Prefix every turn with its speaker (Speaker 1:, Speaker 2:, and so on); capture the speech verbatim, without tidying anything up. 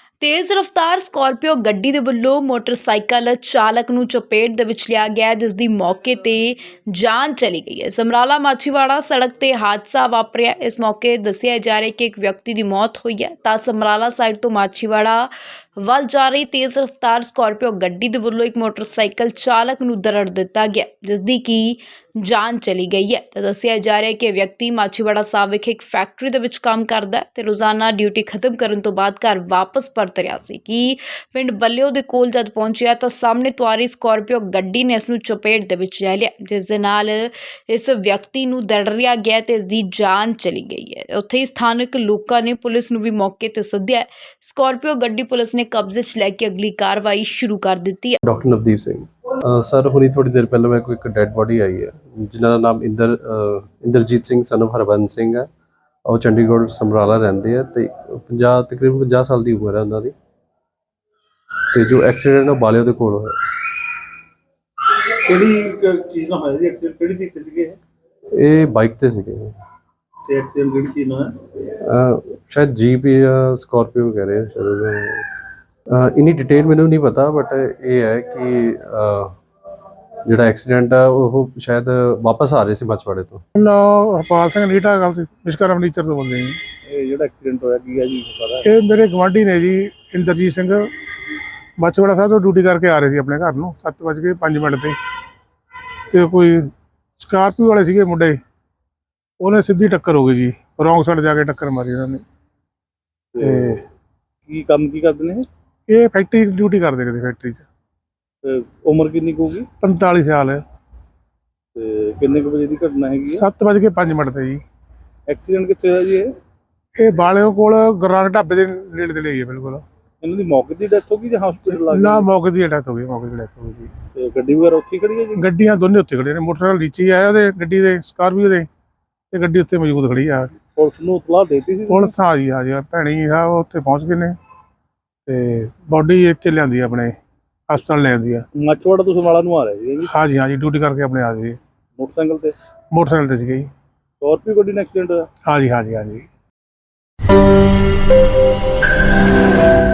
Speaker 1: तेज़ रफ्तार स्कॉर्पियो गड्डी दे वल्लों मोटरसाइकिल चालक नूं चपेट दे विच लिया गया जिस दी मौके ते जान चली गई है। समराला माछीवाड़ा सड़क ते हादसा वापरिया। इस मौके दस्सिया जा रहा है कि एक व्यक्ति की मौत हुई है तां समराला साइड तो माछीवाड़ा ਵੱਲ जा रही तेज़ रफ्तार स्कॉर्पियो गड्डी दे वल्लों एक मोटरसाइकिल चालक नूं दरड़ दिता गया जिस दी की जान चली गई है। तो दस्सिया जा रहा है कि व्यक्ति माछीवाड़ा साहब विखे एक फैक्ट्री दे विच काम करदा है ते रोज़ाना ड्यूटी खत्म करन तो बाद घर वापस परत रिहा सी कि पिंड बल्लिओ दे कोल जद पहुंचिया तो सामने तो आ रही स्कॉर्पियो गड्डी ने इसनूं चपेट दे विच ले लिया जिस दे नाल इस व्यक्ति नूं दरड़िया गया ते इस दी जान चली गई है। उत्थे ही स्थानक लोकां ने पुलिस नूं भी मौके ते सद्दिया। स्कॉर्पियो गड्डी पुलिस ने कब्जे च लैके अगली कार्रवाई शुरू कर दी है।
Speaker 2: डॉक्टर नवदीप सिंह सर हुणी थोड़ी देर पहले मेरे को एक डेड बॉडी आई है जिन्हों का नाम इंदर इंदरजीत सिंह सन ऑफ हरबंस सिंह है और चंडीगढ़ समराला रहते हैं तो पंजाह तकरीबन पंजाह साल की उम्र है उन्होंने तो जो एक्सीडेंट है बालिओ के कोल होया।
Speaker 3: ਕਿਹੜੀ ਚੀਜ਼ ਨਾਲ ਹੋਇਆ ਜੀ ਐਕਸੀਡੈਂਟ? ਕਿਹੜੀ ਚੀਜ਼ ਤੇ ਸੀਗੇ
Speaker 2: ਇਹ ਬਾਈਕ ਤੇ ਸੀਗੇ
Speaker 3: ਤੇ ਐਕਸੀਡੈਂਟ ਕਿਹੜੀ ਚੀਜ਼ ਨਾਲ ਹੈ?
Speaker 2: शायद जीप या स्कॉर्पियो कह रहे हैं शायद इन्नी डिटेल मैंने नहीं पता बट ये है कि ਜਿਹੜਾ ਐਕਸੀਡੈਂਟ ਆ ਉਹ ਸ਼ਾਇਦ ਵਾਪਸ ਆ ਰਹੇ ਸੀ ਮਛਵਾੜੇ ਤੋਂ।
Speaker 4: ਨਾ ਹਰਪਾਲ ਸਿੰਘ ਨੀਟਾ ਗੱਲ ਸੀ ਵਿਸ਼ਕਰਮ ਫਰਨੀਚਰ ਤੋਂ ਬੋਲਦੇ ਜੀ।
Speaker 3: ਇਹ ਜਿਹੜਾ ਐਕਸੀਡੈਂਟ ਹੋਇਆ ਕੀ ਹੈ ਜੀ ਪਤਾ?
Speaker 4: ਇਹ ਮੇਰੇ ਗਵਾਂਢੀ ਨੇ ਜੀ ਇੰਦਰਜੀਤ ਸਿੰਘ ਮਛਵਾੜਾ ਸਾਹਿਬ ਤੋਂ ਡਿਊਟੀ ਕਰਕੇ ਆ ਰਹੇ ਸੀ ਆਪਣੇ ਘਰ ਨੂੰ ਸੱਤ ਵੱਜ ਕੇ ਪੰਜ ਮਿੰਟ ਤੇ ਤੇ ਕੋਈ ਸਕਾਰਪੀਓ ਵਾਲੇ ਸੀਗੇ ਮੁੰਡੇ ਉਹਨੇ ਸਿੱਧੀ ਟੱਕਰ ਹੋ ਗਈ ਜੀ ਰੌਂਗ ਸਾਈਡ ਜਾ ਕੇ ਟੱਕਰ ਮਾਰੀ ਉਹਨਾਂ ਨੇ। ਤੇ
Speaker 3: ਕੀ ਕੰਮ ਕੀ ਕਰਦੇ ਨੇ
Speaker 4: ਇਹ ਫੈਕਟਰੀ ਡਿਊਟੀ ਕਰਦੇ ਕਿਤੇ ਫੈਕਟਰੀ 'ਚ।
Speaker 3: ਤੇ ਉਮਰ ਕਿੰਨੀ ਕੁ ਹੋਊਗੀ?
Speaker 4: ਪੰਤਾਲੀ ਸਾਲ
Speaker 3: ਤੇ ਕਿੰਨੇ ਕੁ ਵਜੇ ਦੀ ਘਟਨਾ ਹੈਗੀ ਹੈ?
Speaker 4: ਸੱਤ ਵੱਜ ਕੇ ਪੰਜ ਮਿੰਟ ਤੇ ਜੀ।
Speaker 3: ਐਕਸੀਡੈਂਟ ਕਿੱਥੇ ਹੋਇਆ ਜੀ ਇਹ?
Speaker 4: ਇਹ ਬਾਲਿਓ ਕੋਲ ਗੁਰਨਾਨਕ ਢਾਬੇ ਦੇ ਨੇੜੇ ਤੇ ਲਈ ਹੈ ਬਿਲਕੁਲ।
Speaker 3: ਇਹਨਾਂ ਦੀ ਮੌਕੇ ਦੀ ਡੈਥ ਹੋ ਗਈ ਜਾਂ ਹਸਪੀਟਲ ਲੱਗ
Speaker 4: ਨਾ
Speaker 3: ਗਈ?
Speaker 4: ਮੌਕੇ ਦੀ ਡੈਥ ਹੋ ਗਈ ਮੌਕੇ ਦੀ ਡੈਥ ਹੋ ਗਈ।
Speaker 3: ਤੇ ਗੱਡੀ ਵਗੈਰਾ ਉੱਥੇ ਹੀ ਖੜੀ ਹੈ ਜੀ?
Speaker 4: ਗੱਡੀਆਂ ਦੋਨੇ ਉੱਥੇ ਖੜੀਆਂ ਨੇ ਮੋਟਰਸਾਈਕਲ ਨੀਚੇ ਆਇਆ ਉਹਦੇ ਗੱਡੀ ਦੇ ਸਕਾਰਪੀਓ ਦੇ ਤੇ ਗੱਡੀ ਉੱਥੇ ਮੌਜੂਦ ਖੜੀ ਆ।
Speaker 3: ਪੁਲਿਸ ਨੂੰ ਇਤਲਾਹ ਦੇਤੀ ਸੀ?
Speaker 4: ਪੁਲਿਸ ਆ ਜੀ ਆ ਜੀ ਭੈਣੀ ਸਾਹਿਬ ਉੱਥੇ ਪਹੁੰਚ ਗਏ ਨੇ ਤੇ ਬੋਡੀ ਇੱਥੇ ਲਿਆਂਦੀ ਆਪਣੇ ਹਸਪਤਾਲ ਲਿਆਂਦੀ ਆ।
Speaker 3: ਮਛਵਾੜਾ ਤੋਂ ਸਮਰਾਲਾ ਨੂੰ ਆ ਰਹੇ ਸੀ ਜੀ?
Speaker 4: ਹਾਂਜੀ ਹਾਂਜੀ ਡਿਊਟੀ ਕਰਕੇ ਆਪਣੇ ਆ ਜੀ
Speaker 3: ਮੋਟਰਸਾਈਕਲ ਤੇ?
Speaker 4: ਮੋਟਰਸਾਈਕਲ ਤੇ ਸੀਗੇ ਜੀ।
Speaker 3: ਸਕਾਰਪੀਓ ਗੱਡੀ ਨਾਲ ਐਕਸੀਡੈਂਟ ਹੋਇਆ?
Speaker 4: ਹਾਂਜੀ ਹਾਂਜੀ ਹਾਂਜੀ।